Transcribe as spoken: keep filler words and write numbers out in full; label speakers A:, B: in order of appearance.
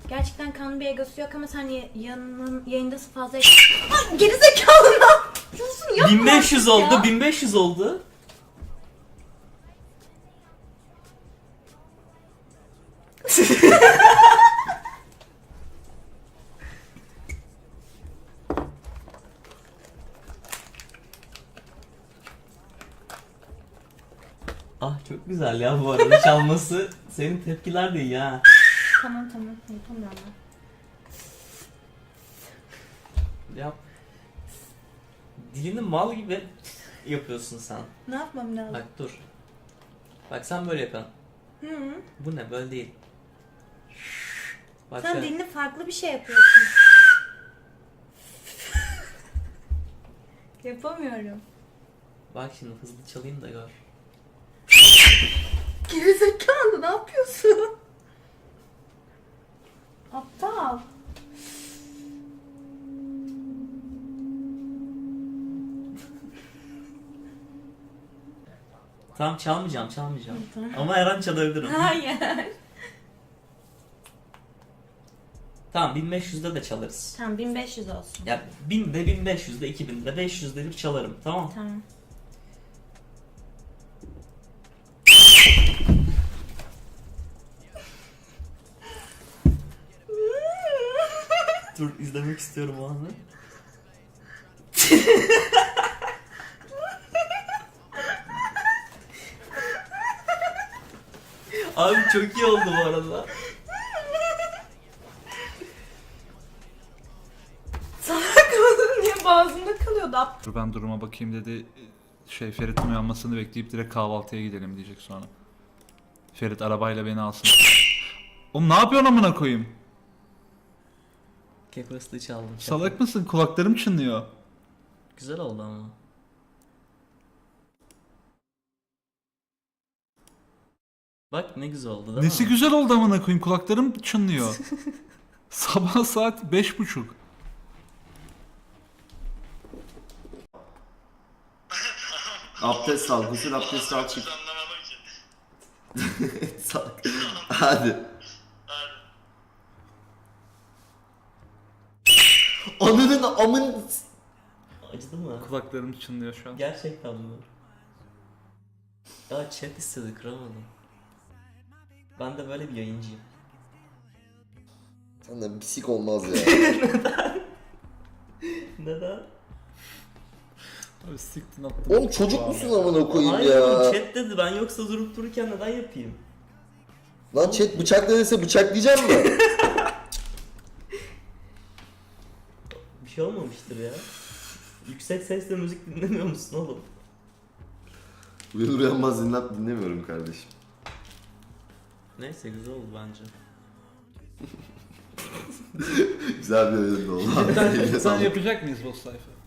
A: Gerçekten kanlı bir egosu yok ama sen ya- yanının yayındasın fazla... Ay gerizekalı ne yapıyorsun? Yapma
B: bin beş yüz
A: artık
B: oldu,
A: ya.
B: bin beş yüz oldu. Ah çok güzel ya bu arada çalması. Senin tepkiler de iyi ha.
A: Tamam tamam yapamıyorum ben.
B: Yap. Dilini mal gibi yapıyorsun sen.
A: Ne yapmam lazım?
B: Bak dur. Bak sen böyle yapıyorsun.
A: Hı -hı.
B: Bu ne böyle değil. Bak
A: Sen
B: şöyle.
A: dilini farklı bir şey yapıyorsun. Yapamıyorum.
B: Bak şimdi hızlı çalayım da gör.
A: Gerizekalı ne yapıyorsun? Aptal.
B: Tamam çalmayacağım çalmayacağım.
A: Tamam.
B: Ama her an çalabilirim.
A: Hayır.
B: Tamam bin beş yüzde de çalarız.
A: Tamam bin beş yüz olsun.
B: Ya binde, bin beş yüzde, iki binde, beş yüzde bir çalarım tamam.
A: Tamam.
B: Dur izlemek istiyorum o anı. Abi çok iyi oldu bu arada.
A: Salak mısın diye boğazımda kalıyordu. Aptal.
C: Dur ben duruma bakayım dedi. Şey Ferit'in uyanmasını bekleyip direkt kahvaltıya gidelim diyecek sonra. Ferit arabayla beni alsın. Oğlum ne yapıyorsun amına koyayım?
B: Kekos'ta çaldım.
C: Salak mısın? Kulaklarım çınlıyor.
B: Güzel oldu ama. Bak ne güzel oldu değil
C: Nesi
B: mi?
C: güzel oldu amına koyayım? Kulaklarım çınlıyor. Sabah saat beş buçuk.
D: Abdest al, gusül abdesti al çık. Salak. Hadi. Ananın amın...
B: Acıdı mı?
C: Kulaklarım çınlıyor şu an.
B: Gerçekten mi? Ya chat istedi kıramadım. Ben de böyle bir yayıncıyım.
D: Senden pisik olmaz ya.
B: Neden?
C: Abi siktin attın.
D: Oğlum çocuk musun amına koyayım
B: Hayır
D: ya?
B: oğlum chat dedi ben yoksa durup dururken neden yapayım?
D: Lan chat bıçakla dese bıçaklayacak mı?
B: Bir şey olmamıştır ya. Yüksek sesle müzik dinlemiyor musun oğlum?
D: Uyanır uyanmaz dinlet dinlemiyorum kardeşim.
B: Neyse güzel oldu bence.
D: Güzel bir oyun oldu.
C: Sen, sen yapacak mıyız boss sayfa?